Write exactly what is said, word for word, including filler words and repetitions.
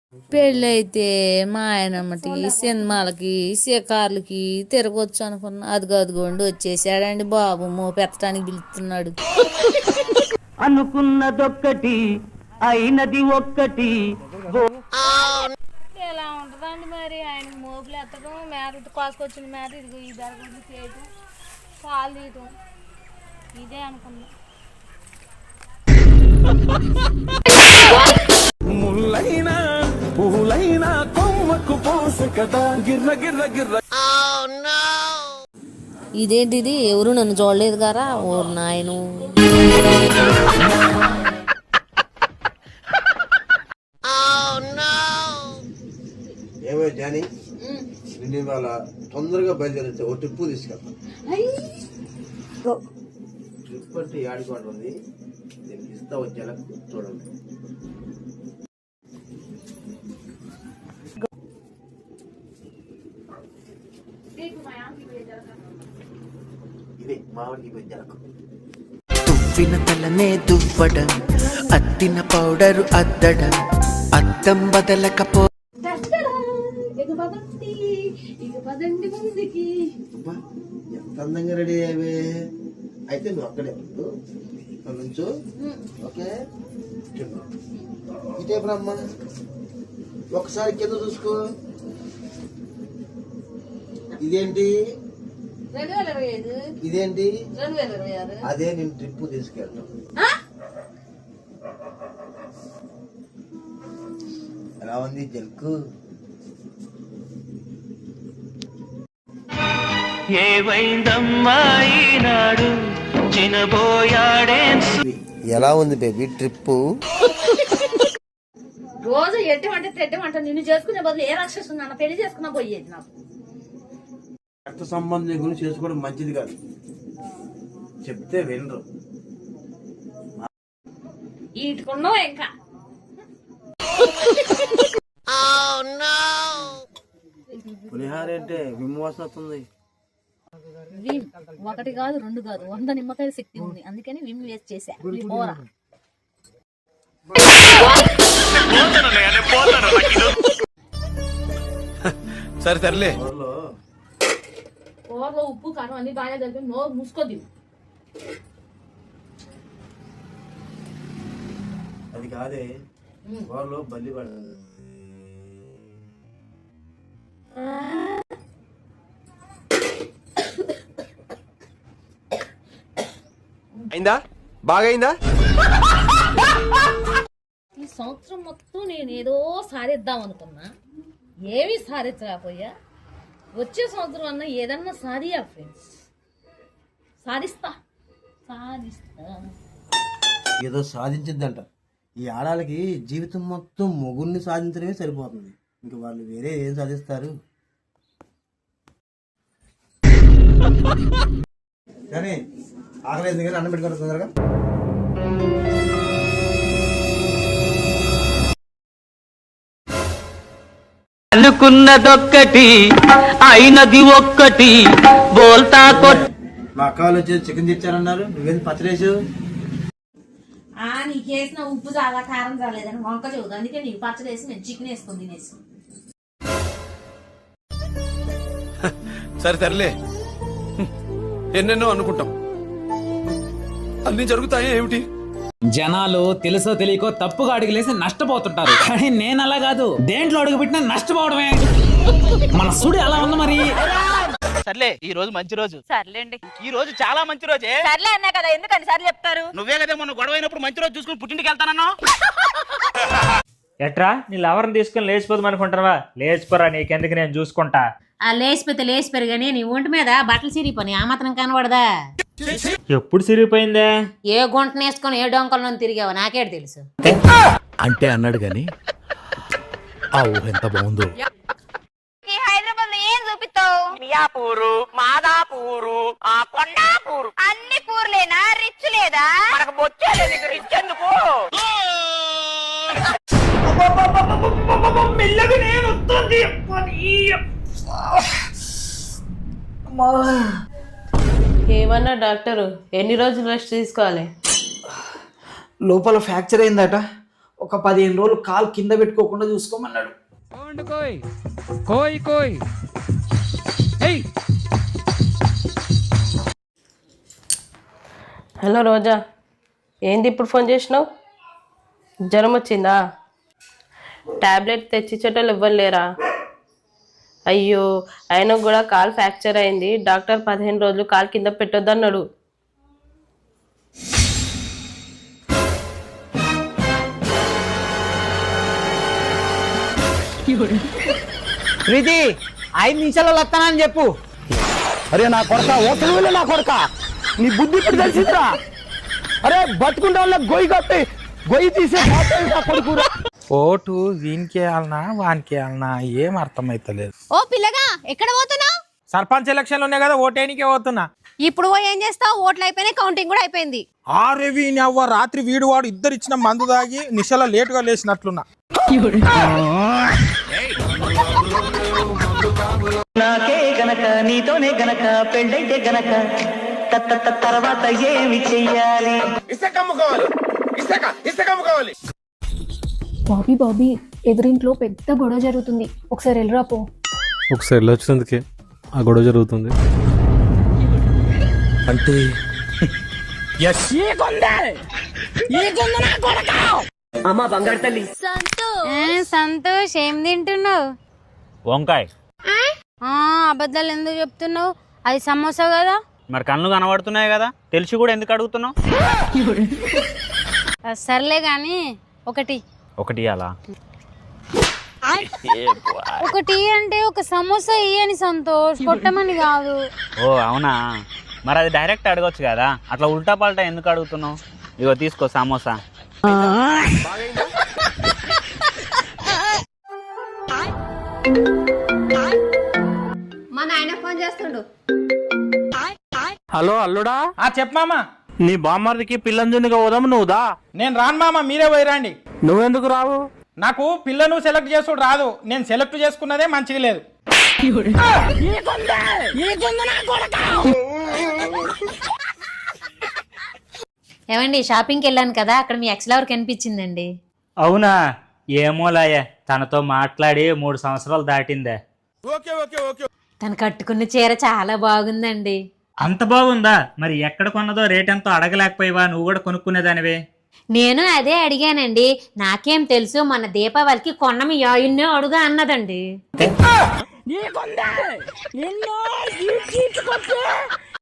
పెళ్ళైతే మా ఆయనమ్మటి సినిమాలకి షికార్లకి తిరగొచ్చు అనుకున్నా. అదిగో అదిగోండి వచ్చేసాడండి బాబు, మోపెత్తడానికి పిలుస్తున్నాడు. అనుకున్నదొక్కటి అయినది ఒక్కటి. ఎలా ఉంటుందండి మరి ఆయనకు మోపులు ఎత్తడం, మేత కోసుకొచ్చిన మేత ఇదిగో ఈ బెరగొడ్లు చేయటం, పాలు తీయటం, ఇదే అనుకున్నా. ముల్లైనా పూలైనా కొమ్మకు పోసు కదా గిర్ర గిర్ర గిర్ర. ఇదేంటిది, ఎవరు నన్ను చూడలేదు గారా ఓరు నాయను. ఏమో జానీ, నేను ఇవాళ తొందరగా బయలుదేరితే ఓ ట్రిప్పు తీసుకెళ్తాను. ట్రిప్ అంటే ఆడుకోండి, దీనికి ఇస్తా వచ్చేలా చూడండి. ఇదే మామిడికి పెంచాలకు తువ్విన తలనే దువ్వడం, అద్దిన పౌడరు అద్దడం, అద్దం బదలకపో. ఎంత అందంగా రెడీ అయ్యావే. అయితే నువ్వు అక్కడే ఉండు, నుంచో. ఓకే, ఇటే బ్రహ్మ ఒకసారి కింద చూసుకో. ఇదేంటి ఇదేంటి అదే నేను ట్రిప్ తీసుకెళ్తాను. ఎలా ఉంది జల్కు? ఎలా ఉంది బేబీ ట్రిప్? రోజు ఎట్టమంటే తెట్టమంట నిన్ను చేసుకునే బదులు ఏ రాక్షసు నన్ను పెళ్లి చేసుకున్నా పోయేది. నాకు రక్త సంబంధం గురించి చేసుకోవడం మంచిది కాదు, చెప్తే వినరు. ఈటుకున్నావు ఇంకా. పులిహార అంటే విమోచన వస్తుంది. విమ్ ఒకటి కాదు రెండు కాదు వంద నిమ్మకాయల శక్తి ఉంది, అందుకని విమ్ వేస్ట్ చేశా. పోరా సరే తరలే. కూరలో ఉప్పు కారం అన్ని బాగా కలిపి నోరు మూసుకోద్ది. అది కాదే, కూరలో బల్లి పడుతుంది. అయిందా? బాగైందా? ఈ సంవత్సరం మొత్తం నేను ఏదో సాధిద్దాం అనుకున్నా, ఏమీ సాధించకపోయా. వచ్చే సంవత్సరం అన్నా ఏదన్నా సాధియా ఫ్రెండ్స్, సాధిస్తా సాధిస్తా. ఏదో సాధించిందంట. ఈ ఆడాలకి జీవితం మొత్తం మొగుడిని సాధించడమే సరిపోతుంది, ఇంక వాళ్ళు వేరే ఏం సాధిస్తారు? కానీ ఆకలి ఎందుకని అన్నం పెట్టుకోండి తొందరగా. అనుకున్నదొక్కటి అయినది ఒక్కటి. బోల్తా కొట్ మా అక్క వాళ్ళు వచ్చి చికెన్ తెచ్చారన్నారు, నువ్వేంది పచ్చడేసు? ఆ నీకేసిన ఉప్పు చాలా కారం రాలేదని వంక చెబుదు, అందుకే నీకు పచ్చడి వేసి నేను చికెన్ వేసుకుని తినేసి. సరే తరలే. ఎన్నెన్నో అనుకుంటాం, అన్ని జరుగుతాయి ఏమిటి? జనాలు తెలుసో తెలియకో తప్పుగా అడుగులేసి నష్టపోతుంటారు, కానీ నేను అలా కాదు. దేంట్లో అడుగు పెట్టినా నష్టపోవడమే. మన సుడి అలా ఉంది మరి. సర్లే, ఈ రోజు మంచి రోజు. సర్లేండి, ఈ రోజు చాలా మంచి రోజే. సర్లే అన్నా కదా, ఎందుకని సార్లు చెప్తారు? నువ్వే కదా మొన్న గొడవ అయినప్పుడు మంచి రోజు చూసుకుని పుట్టింటికి వెళ్తానన్నా. ఎట్రా నీ లవర్ని తీసుకుని లేచిపోదాం అనుకుంటావా? లేచిపోరా, నీకెందుకు, నేను చూసుకుంటా. ఆ లేచిపోతే లేచిపోరు గానీ నీ ఒంటి మీద బట్టలు సిరిపోయి ఆ మాత్రం కనబడదా? ఎప్పుడు సిరిగిపోయిందే? ఏ గుంటను వేసుకొని ఏ డొంకల్లో తిరిగావో నాకేడు తెలుసు. అంటే అన్నాడు గాని ఆ ఊహ ఎంత బాగుందో. హైదరాబాద్ లో ఏం చూపిస్తావు? మియాపూరు, మాదాపూరు, ఆ కొండాపూరు, అన్ని పూర్లేనా? రిచ్ లేదా? మనకు బొచ్చేది నీకు రిచ్ ఎందుకు? మెల్లగా నేను వస్తుంది. ఏమన్నా డాక్టరు, ఎన్ని రోజులు రెస్ట్ తీసుకోవాలి? లోపల ఫ్రాక్చర్ అయిందట, ఒక పదిహేను రోజులు కాలు కింద పెట్టుకోకుండా చూసుకోమన్నాడు. హలో రోజా, ఏంది ఇప్పుడు ఫోన్ చేసినావు? జ్వరం వచ్చిందా? టాబ్లెట్ తెచ్చిచ్చేటోళ్ళు ఇవ్వలేరా? అయ్యో, ఆయన కూడా కాలు ఫ్రాక్చర్ అయింది, డాక్టర్ పదిహేను రోజులు కాలు కింద పెట్టొద్దన్నాడు. ప్రీతి, ఐదు నిమిషాలు వస్తానని చెప్పు. అరే నా కొడక ఓట్లు నా కొడక, నీ బుద్ధి ఇప్పుడు తెలిసిందిరా. అరే బతుకుంటే వాళ్ళ గొయ్యి కట్టి గొయ్యి తీసే కొడుకురా. ఓటు వీనికి వేయాలనా వానికి వేయాలనా ఏం అర్థమైతలేదు. ఓ పిల్లగా, ఎక్కడ పోతున్నావు? సర్పంచ్ ఎలక్షన్లు ఉన్నాయి కదా, ఓటేనికే పోతున్నా. ఇప్పుడు పోయి ఏం చేస్తావు? ఓట్లు అయిపోయినాయి, కౌంటింగ్ కూడా అయిపోయింది. ఆరే వీని అవ్వ, రాత్రి వీడు వాడు ఇద్దరు ఇచ్చిన మందు దాగి నిశల లేటుగా లేచినట్లున్నా. నాకే గనక నీతోనే గనక పెళ్ళైతే గనక తర్వాత ఏమి చెయ్యాలి? బాబీ బాబీ, ఎదురింట్లో పెద్ద గొడవ జరుగుతుంది, ఒకసారి వెళ్ళరా పో. ఒకసారి వెళ్ళొచ్చినందుకే ఆ గొడవ జరుగుతుంది అంటే అమ్మా బంగారు తల్లి. సంతోష్, ఏం తింటున్నావు? వంకాయ. అబద్ధాలు ఎందుకు చెప్తున్నావు? అది సమోసా కదా. మరి కళ్ళు కనబడుతున్నాయి కదా, తెలిసి కూడా ఎందుకు అడుగుతున్నావు? సర్లే గాని ఒకటి ఒకటి అలా ఒకటి అంటే ఒక సమోసా ఇయ్యని సంతోష్, కొట్టమని కాదు. ఓ అవునా, మరి అది డైరెక్ట్ అడగొచ్చు కదా, అట్లా ఉల్టా పల్టా ఎందుకు అడుగుతున్నావు? ఇగో తీసుకో సమోసా. మా నాయన ఫోన్ చేస్తుండు. హలో అల్లుడా. ఆ చెప్పు మామ. నీ బామ్మర్దికి పిల్లంజునిగా పోదాము, నువ్వు దా. నేను రాను మామ, మీరే పోయిరండి. నువ్వెందుకు రావు? నాకు పిల్లను సెలెక్ట్ చేసుడు రాదు, నేను సెలెక్ట్ చేసుకున్నదే మంచిగా లేదు. ఏమండి, షాపింగ్కి వెళ్ళాను కదా, అక్కడ మీ ఎక్స్ లవర్ కనిపించిందండి. అవునా? ఏమోలాయే, తనతో మాట్లాడి మూడు సంవత్సరాలు దాటిందే. తను కట్టుకున్న చీర చాలా బాగుందండి. అంత బాగుందా? మరి ఎక్కడ కొన్నదో రేట్ ఎంతో అడగలేకపోయావా? నువ్వు కూడా కొనుక్కునేదానివే. నేను అదే అడిగానండి, నాకేం తెలుసు, మన దీపావళికి కొన్నమి యాయున్నే అడుగా అన్నదండి.